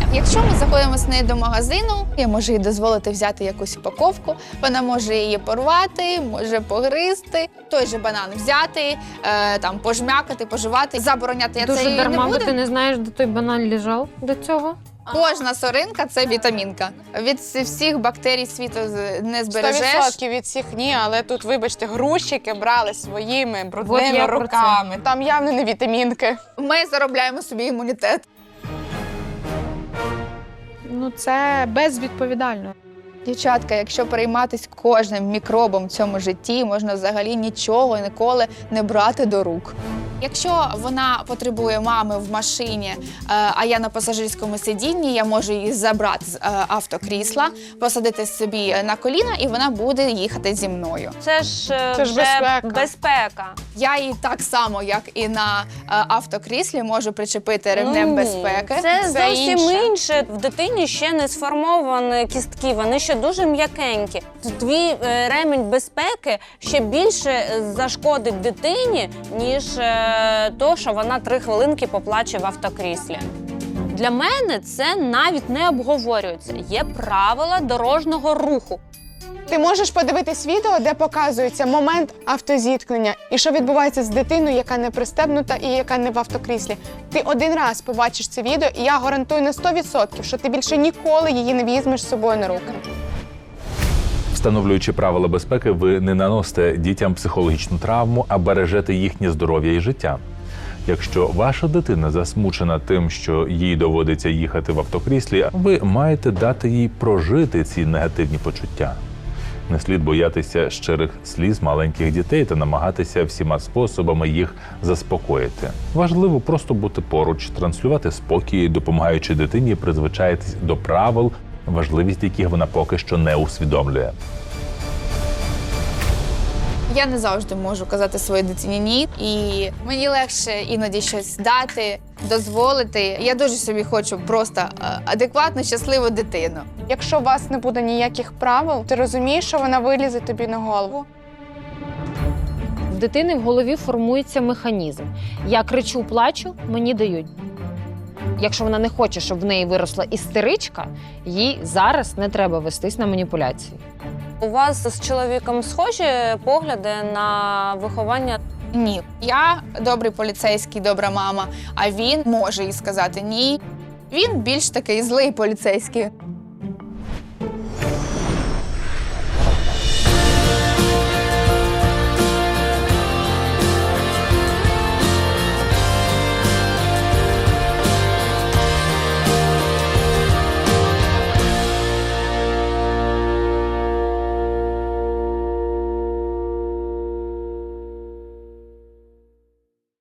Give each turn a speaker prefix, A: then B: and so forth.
A: Якщо ми заходимо з нею до магазину, я можу їй дозволити взяти якусь упаковку, вона може її порвати, може погризти, той же банан взяти, там пожмякати, пожувати, забороняти я це
B: Дуже
A: їй не
B: дарма, бо
A: буду.
B: ти не знаєш, де той банан лежав до цього.
A: Кожна соринка – це вітамінка. Від всіх бактерій світу не збережеш.
C: 100% від всіх ні, але тут, вибачте, грузчики брали своїми
B: Вот
C: брудними
B: я про це.
C: руками. Там явно не вітамінки.
A: Ми заробляємо собі імунітет.
D: Ну, це безвідповідально.
A: Дівчатка, якщо перейматися кожним мікробом в цьому житті, можна взагалі нічого ніколи не брати до рук. Якщо вона потребує мами в машині, а я на пасажирському сидінні, я можу її забрати з автокрісла, посадити собі на коліна, і вона буде їхати зі мною.
E: Це ж
C: Це ж безпека.
E: безпека.
A: Я її так само, як і на автокріслі, можу причепити ремнем безпеки.
E: Це зовсім
C: інше.
E: інше. В дитині ще не сформовані кістки, вони ще дуже м'якенькі. Твій ремінь безпеки ще більше зашкодить дитині, ніж то, що вона 3 хвилинки поплаче в автокріслі. Для мене це навіть не обговорюється. Є правила дорожнього руху.
C: Ти можеш подивитись відео, де показується момент автозіткнення і що відбувається з дитиною, яка не пристебнута і яка не в автокріслі. Ти один раз побачиш це відео, і я гарантую на 100%, що ти більше ніколи її не візьмеш з собою на руки.
F: Встановлюючи правила безпеки, ви не наносите дітям психологічну травму, а бережете їхнє здоров'я і життя. Якщо ваша дитина засмучена тим, що їй доводиться їхати в автокріслі, ви маєте дати їй прожити ці негативні почуття. Не слід боятися щирих сліз маленьких дітей та намагатися всіма способами їх заспокоїти. Важливо просто бути поруч, транслювати спокій, допомагаючи дитині призвичаїтись до правил, важливість яких вона поки що не усвідомлює.
A: Я не завжди можу казати своїй дитині «ні», і мені легше іноді щось дати, дозволити. Я дуже собі хочу просто адекватну, щасливу дитину.
C: Якщо у вас не буде ніяких правил, ти розумієш, що вона вилізе тобі на голову.
B: В дитини в голові формується механізм. Я кричу, плачу, мені дають. Якщо вона не хоче, щоб в неї виросла істеричка, їй зараз не треба вестись на маніпуляції.
E: У вас з чоловіком схожі погляди на виховання?
A: Ні. Я добрий поліцейський, добра мама, а він може їй сказати «ні». Він більш такий злий поліцейський.